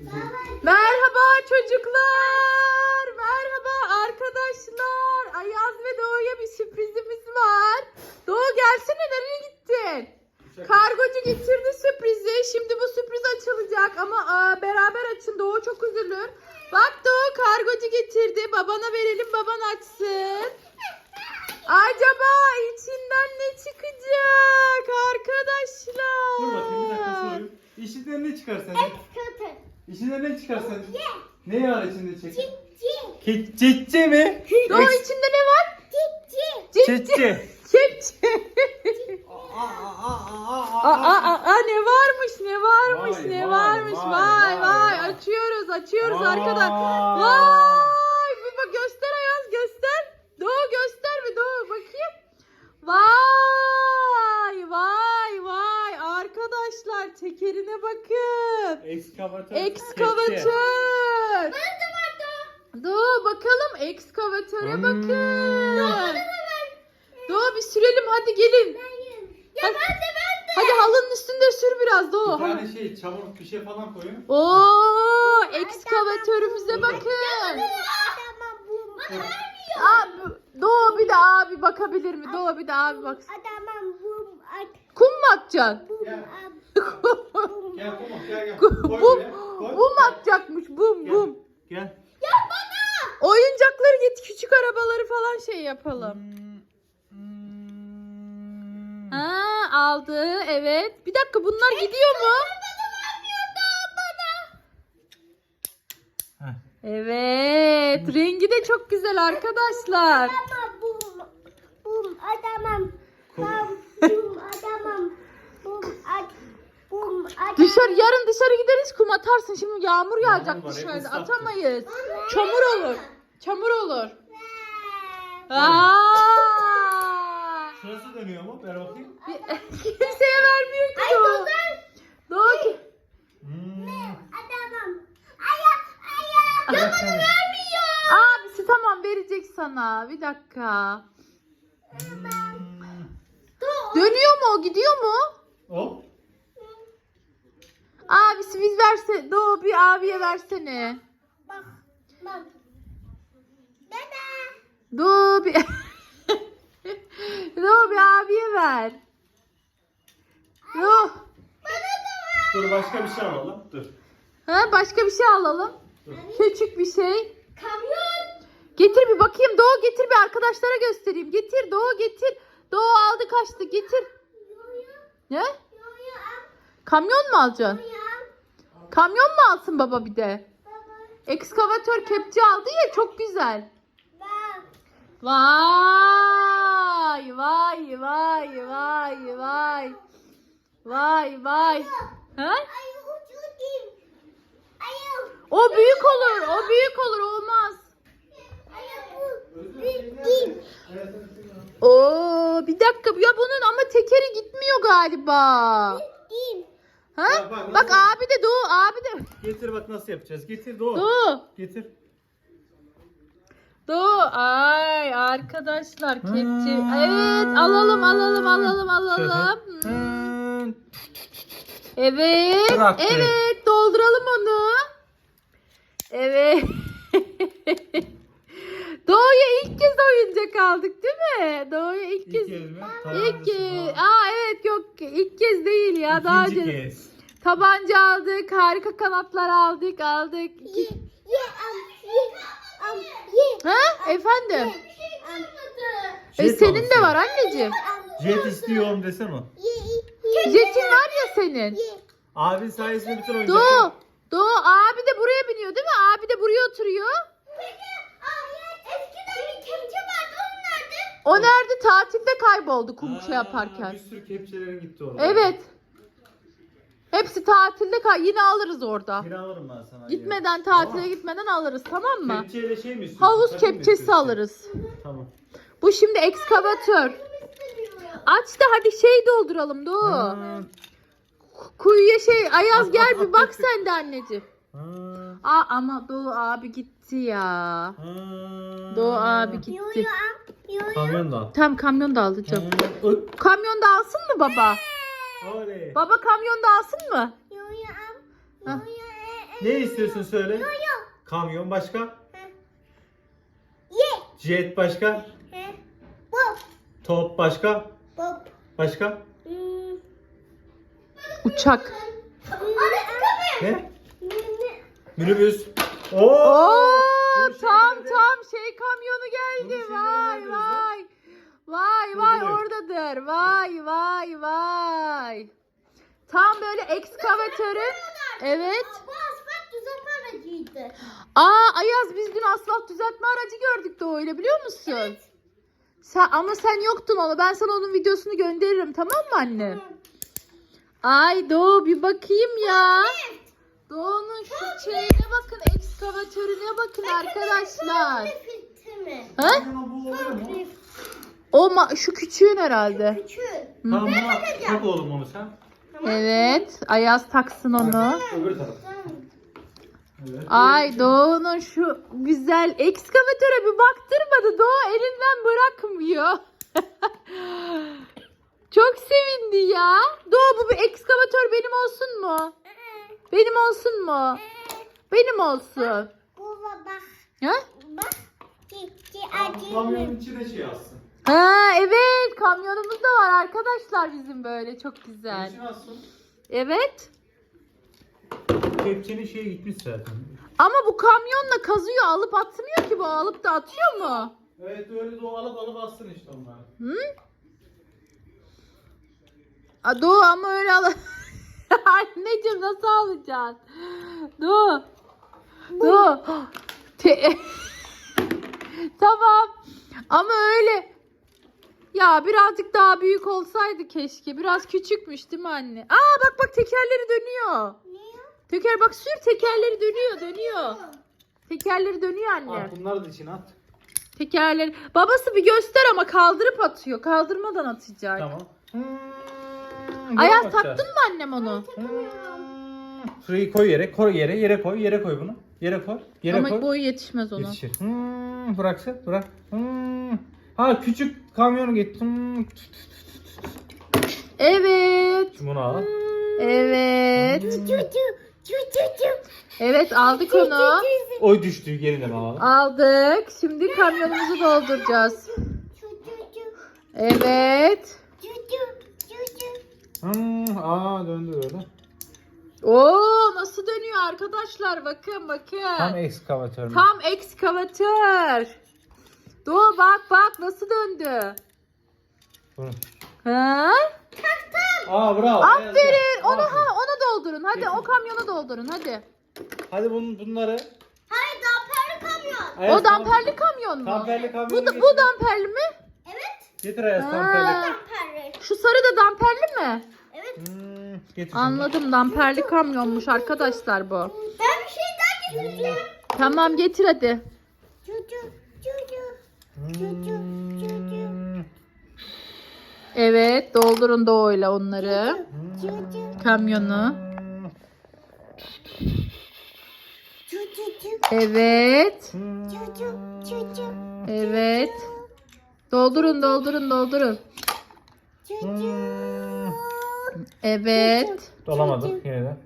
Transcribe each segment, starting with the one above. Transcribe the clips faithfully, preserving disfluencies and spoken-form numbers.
Merhaba çocuklar. Merhaba arkadaşlar. Ayaz ve Doğu'ya bir sürprizimiz var. Doğu gelsene, nereye gittin? Kargocu getirdi sürprizi. Şimdi bu sürpriz açılacak ama aa, beraber açın. Doğu çok üzülür. Bak Doğu, kargocu getirdi. Babana verelim, baban açsın. Acaba içinden ne çıkacak arkadaşlar? Dur bakayım, bir dakika sorayım. İçinden ne çıkar sence? İçinden ne çıkar sence? Ne var içinde çıkar? Çitçi. Çitçi mi? Doğu, içinde ne var? Çitçi. Kepçe. Aa, aa, aa, ne varmış, ne varmış, Vay, ne vay, varmış. vay, Vay, vay. vay, vay. Açıyoruz, açıyoruz Vay. arkadaşlar. Vay. Bir bak, göster Ayaz, göster. Doğu göster bir, Doğu bakayım. Vay, vay, vay. Arkadaşlar tekerine bakın. Ekskavatör. Ekskavatör. Doğu bakalım, ekskavatöre Hmm. bakın. Doğu bir sürelim, hadi gelin. Hadi, hadi halının üstünde sür biraz Doğu. Bir tane şey, çamur bir şey falan koyun. Oo, ekskavatörümüze bakın. Abi, Doğu bir de abi bakabilir mi? Doğu bir de abi bak. Kum mu atacaksın? Gel. Gel Kumar, gel gel. Bum, Koy buraya, koy. bum atacakmış, bum Gel. bum. Gel. Oyuncakları git, küçük arabaları falan şey yapalım. Ha, aldı, evet. Bir dakika, bunlar gidiyor mu? Heh. Evet, rengi de çok güzel arkadaşlar. Dışarı, yarın dışarı gideriz, kum atarsın. Şimdi yağmur yağacak Yağmur var, dışarıda, ıslaktır. atamayız. Çamur olur, çamur olur. Aa! Şurası dönüyor mu? Ver bakayım. Kimseye vermiyor ki Doğu. Doğu ki. Hmm. Ya bana vermiyor. Abisi tamam, verecek sana. Bir dakika. Hmm. Dönüyor mu o, gidiyor mu? Hop. Abisi biz verse, Doğu bir abiye versene. Doğu bir Doğu bir abiye ver. Doğu. Dur, başka bir şey alalım. Dur. Ha, başka bir şey alalım. Dur. Küçük bir şey. Getir bir bakayım Doğu, getir bir arkadaşlara göstereyim. Getir Doğu, getir. Doğu aldı kaçtı, getir. Ne? Kamyon mu alacaksın? Kamyon mu alsın baba bir de? Ekskavatör kepçe aldı ya, çok güzel. Vay vay vay vay vay. Vay vay. Ha? O büyük olur, o büyük olur, olmaz. Oo, bir dakika ya, bunun ama tekeri gitmiyor galiba. Ha? Bak, bak, Bak nasıl? abi de Doğu, abi de. Getir bak nasıl yapacağız. Getir Doğu. Doğu. Getir. Doğu. Ay arkadaşlar, kepçe. Hmm. Evet, alalım alalım alalım alalım. Hmm. Hmm. Evet. Bıraktı. Evet, dolduralım onu. Evet. Doğu'ya ilk kez oyuncak aldık değil mi? Doğu'ya ilk kez. İlk kez mi? İlk kez. Aa evet, yok ilk kez değil ya, daha İkinci önce. kez. Tabanca aldık, harika kanatlar aldık, aldık. Ha? Efendim? E, Jet senin de alsın. var anneciğim. Jet istiyorum desene o. Jetin var ya senin. Abin sayesinde bütün oyuncaklar. Doğu. Doğu abi de buraya biniyor değil mi? Abi de buraya oturuyor. O nerede? Tatilde kayboldu kum şey yaparken. Bir sürü kepçelerin gitti orada. Evet. Hepsi tatilde kay. Yine alırız orada. Bir alırım ben sana. Gitmeden, Tamam. tatile gitmeden alırız, tamam mı? Kepçeyle şey mi istiyorsun? Havuz Takım mı kepçesi istiyorsun? alırız. Tamam. Bu şimdi ekskavatör. Aç da hadi şey dolduralım Doğu. Hmm. Kuyuya şey, Ayaz At, gel at, bir at, bak at. sen de anneciğim. Hmm. Aa ama Doğu abi gitti ya. Hmm. Doğu abi gitti. Kamyon da. Tam kamyon da aldı çok. Hmm. Öt. Kamyon da alsın mı baba? Oley. Baba kamyon da alsın mı? Hah. Ne istiyorsun söyle? Kamyon başka? Jet başka? Top başka? Başka? Uçak. Ne? Minibüs. Oo! Oo, Bu tam şeylerde- tam şey kamyonu geldi. Bunu Vay şeyden vay. Vay vay Buluyor. oradadır. Vay vay vay. Tam böyle ekskavatörün. Evet. Bu asfalt düzeltme aracıydı. Aa Ayaz biz dün asfalt düzeltme aracı gördük de öyle biliyor musun? Sen, ama sen yoktun onu. Ben sana onun videosunu gönderirim tamam mı anne? Ay Doğu bir bakayım ya. Doğu'nun şu şeyine bakın. Ekskavatörüne bakın arkadaşlar. Fitti mi? Ha? Kamyona bu oluyor mu? O ma- şu küçüğün herhalde. Küçük. Tamam buna tak oğlum onu sen. Evet. Ayaz taksın onu. Öbür taraf. Evet. Ay Doğu'nun şu güzel ekskavatöre bir baktırmadı. Doğu elinden bırakmıyor. Çok sevindi ya. Doğu bu bir ekskavatör benim olsun mu? Benim olsun mu? Benim olsun. Baba bak. Ha? Bak. Gitti Kamyonun acı. içine şey yazsın. Ha evet kamyonumuz da var arkadaşlar bizim böyle çok güzel. İçine yazsın. Evet. Kepçenin şeye gitmiş zaten. Ama bu kamyonla kazıyor alıp atmıyor ki bu alıp da atıyor mu? Evet öyle de o alıp alıp atsın işte onları. Hı? A, Doğu ama öyle al. Anneciğim nasıl alacaksın? Doğu. Doğu. Te- tamam. Ama öyle. Ya birazcık daha büyük olsaydı keşke. Biraz küçükmüş değil mi anne? Aa bak bak tekerleri dönüyor. Teker bak sür tekerleri dönüyor dönüyor. Tekerleri dönüyor anne. At bunları da içine at. Tekerleri. Babası bir göster ama kaldırıp atıyor. Kaldırmadan atacak. Tamam. Ayaz taktın mı annem onu? Şurayı koy yere, koy yere, yere koy, yere koy bunu. Yere koy, yere Ama koy. boyu yetişmez ona. Yetişir. Hmm, bıraksın, bırak. Hmm. Ha küçük kamyonu git. Hmm. Evet. Şimdi bunu al. Evet. Cucu. Cucu. Evet aldık onu. Oy düştü yerine mi alalım? Aldık. Şimdi kamyonumuzu dolduracağız. Cucu. Evet. Cucu. Cucu. Hmm, aa döndü böyle. Oo nasıl dönüyor arkadaşlar bakın bakın. Tam ekskavatör mü? Tam ekskavatör. Doğu bak bak nasıl döndü. Bunu. Ha? Aa bravo. Aferin. Onu Aferin. ha ona doldurun. Hadi Getir. o kamyona doldurun hadi. Hadi bun, bunları. Hayır damperli kamyon. Ayaz, O damperli kamyon mu? Damperli kamyonu Bu, da, getir. bu damperli mi? Evet. Getir Ayaz Ha. damperli. Damperli. Şu sarı da damperli mi? Evet. Hmm, getir şimdi. Anladım damperli kamyonmuş arkadaşlar bu. Ben bir şey daha getireceğim. Tamam getir hadi. Cucu. Cucu. Hmm. Evet doldurun Doğu'yla onları. Cucu. Kamyonu. Cucu. Evet. Cucu. Cucu. Evet. Doldurun doldurun doldurun. Cucu. Evet. Dolamadık yine de.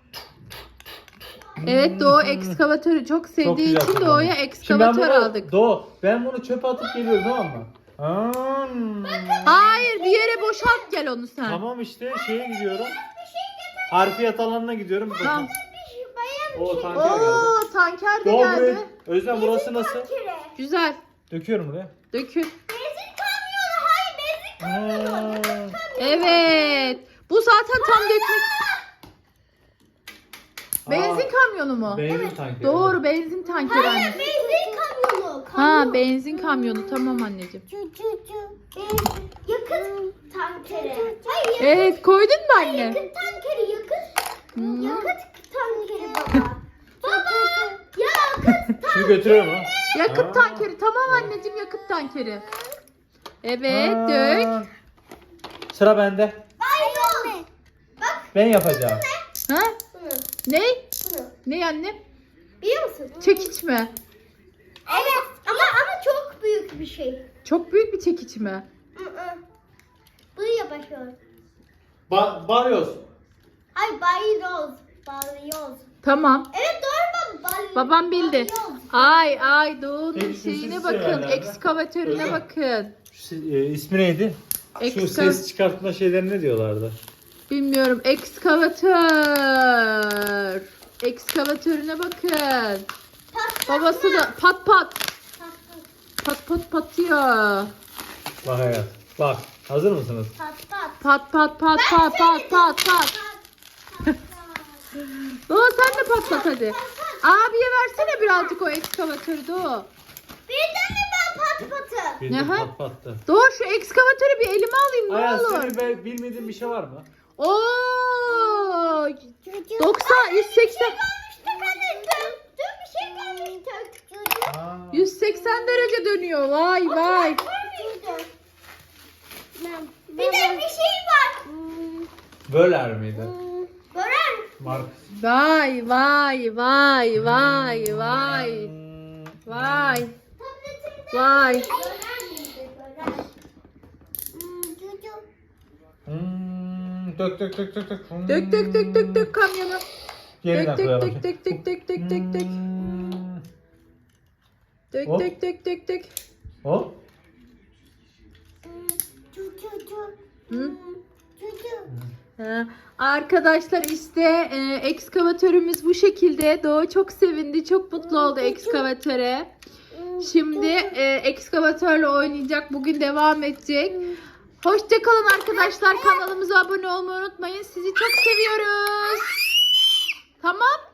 Evet Doğu ekskavatörü çok sevdiği güzel için kullanıyor. Doğu'ya Şimdi ben ekskavatör bunu, aldık. Doğu, ben bunu çöpe atıp geliyorum tamam mı? Hmm. Hayır bir yere boşalt gel onu sen. Tamam işte şeye gidiyorum. Harfiyat alanına gidiyorum. Tamam. O tanker geldi. Oo tanker de Doğu geldi. buraya. Özlem burası nasıl? Güzel. Döküyorum buraya. Dökül. Benzin kamyonu. Hayır benzin kamyonu. Hmm. Evet. Bu zaten tam dökmek. Benzin kamyonu mu? Benzin tankeri. Doğru benzin tankeri Hayır anne. benzin kamyonu. Ha benzin kamyonu tamam anneciğim. Cucu. Benzin. Yakıt tankeri. Hayır yakıt. Evet koydun mu anne? Yakıt tankeri yakıt. Hmm. Yakıt tankeri baba. Baba. Yakıt. Şunu götürüyorum ha. Yakıt Aa. tankeri tamam anneciğim yakıt tankeri. Evet Aa. dök. Sıra bende. Hayır anne. Bak Ben yapacağım. Ha? bunu. Ne? Bunu. Ne anne? Biliyor musun? Çekiç mi? Evet ama ama çok büyük bir şey. Çok büyük bir çekiç mi? Hı hı. Bunu yapışıyor. Ba balyoz. Ay balyoz. Balyoz. Tamam. Evet doğru baba. Babam bildi. Ay ay Doğu'nun Peki, şu şeyine sesi bakın. severler mi? Ekskavatörüne Öyle mi? bakın. Şu, e, ismi neydi? Şu Ekska- ses çıkartma şeylerine ne diyorlardı? Bilmiyorum. Ekskavatör. Ekskavatörüne bakın. Babası da pat pat. Pat pat patıyor. Bak hayat. Bak. Hazır mısınız? Pat pat. Pat pat pat pat pat pat pat. Doğu sen de patlat hadi. Abiye versene birazcık o ekskavatörü Doğu. Bir tane ben pat patı. Bir de Aha. pat pattı. Doğu şu ekskavatörü bir elime alayım ne Hayat olur. senin be- bilmediğin bir şey var mı? Oo! doksan, yüz seksen, Dün bir şey kalmıştı. Aa. yüz seksen derece dönüyor. Vay vay. Bir de bir şey var. Böler miydi? Gören. Mark. Vay vay vay vay vay. Vay. Vay. Hmm, dök dök dök dök dök. Hmm. Dök dök dök dök dök kamyona. Yeniden Dök koyalım. dök dök dök dök dök dök dök. Hmm. Dök Hop. dök dök dök dök. Hop. Hı? Ha, arkadaşlar işte e, ekskavatörümüz bu şekilde. Doğu çok sevindi, çok mutlu oldu ekskavatöre. Şimdi e, ekskavatörle oynayacak, bugün devam edecek. Hoşça kalın arkadaşlar, kanalımıza abone olmayı unutmayın. Sizi çok seviyoruz. Tamam.